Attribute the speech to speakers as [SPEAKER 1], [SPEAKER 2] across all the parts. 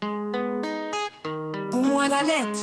[SPEAKER 1] Bu muhalet.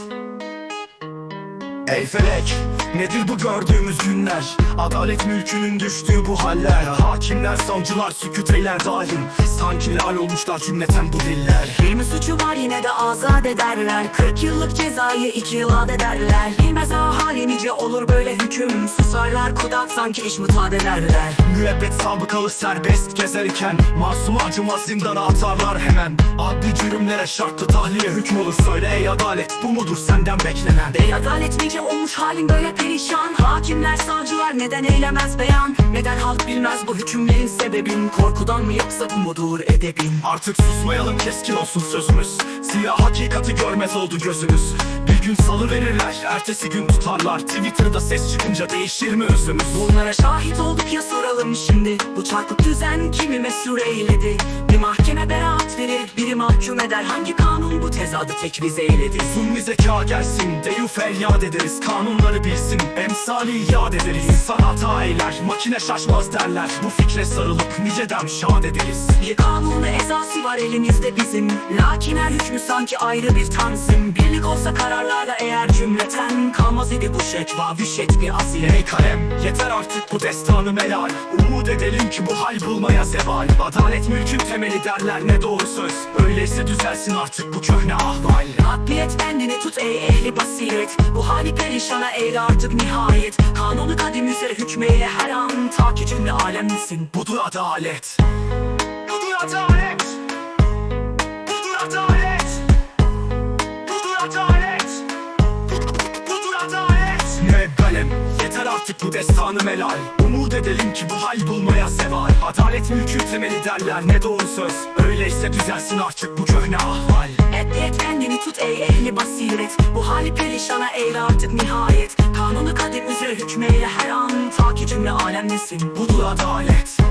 [SPEAKER 2] Ey felek, nedir bu gördüğümüz günler? Adalet mülkünün düştüğü bu haller. Hakimler, savcılar sükût eyler daim. Sanki lal olmuşlar cümleten bu diller.
[SPEAKER 1] Bir mi suçu var yine de azat ederler. 40 yıllık cezayı 2 yıl ederler. Bilmez ahali nice olur böyle hüküm. Susarlar kudak sanki iş mutat ederler.
[SPEAKER 2] Müebbet sabıkalı serbest gezerken masum acımaz zindana atarlar hemen. Adli cürümlere şartlı tahliye hüküm olur. Söyle ey adalet, bu mudur senden beklenen?
[SPEAKER 1] Bey adalet nice olmuş halin böyle perişan. Hakimler, savcılar neden eylemez beyan? Neden halk bilmez bu hükümlerin sebebin? Korkudan mı yoksa bu mudur edebin?
[SPEAKER 2] Artık susmayalım, keskin olsun sözümüz. Siyah hakikati görmez oldu gözümüz. Bir gün salı verirler, ertesi gün tutarlar. Twitter'da ses çıkınca değişir mi özümüz?
[SPEAKER 1] Bunlara şahit olduk ya, soralım şimdi. Bu çarpık düzen kimi mesur eyledi? Bir mahkeme beraat verir, biri mahkum eder. Hangi kanun bu tezadı tekviz eyledi?
[SPEAKER 2] Zulmi zeka gelsin, deyu feryat ederiz. Kanunları bilsin, emsali yad ederiz. İnsan hata eyler, makine şaşmaz derler. Bu fikre sarılıp niceden şad ederiz.
[SPEAKER 1] Bir kanunu ezası var elimizde bizim. Lakin her hükmü sanki ayrı bir tanzim. Birlik olsa kararlarda eğer cümleten, kalmaz idi bu şekva vişet bir asil.
[SPEAKER 2] Ey kalem, yeter artık bu destanı melal. Umut edelim ki bu hal bulmaya zeval. Adalet mülkün temeli derler, ne doğru söz. Öyleyse düzelsin artık bu köhne ahval.
[SPEAKER 1] Hakbiyet kendini tut ey ehli basiret. Bu hali perişana eyle artık nihayet. Kanunu kadim üzere hükmeye her an. Ta ki cümle alemlisin.
[SPEAKER 2] Budur adalet. Budur adalet. Budur adalet. Budur adalet. Budur adalet. Müebbelem, yeter artık bu destanı melal. Umut edelim ki bu hal bulmaya seval. Adalet mülkü temeli derler, ne doğru söz. Öyleyse düzelsin artık bu köhne ahval.
[SPEAKER 1] Hakbiyet kendini tut ey ehli basiret. Bu hali perişana eyle artık nihayet. Kanunu kadim üzere hükmeye her an. Ta ki cümle alemlisin.
[SPEAKER 2] Budur adalet.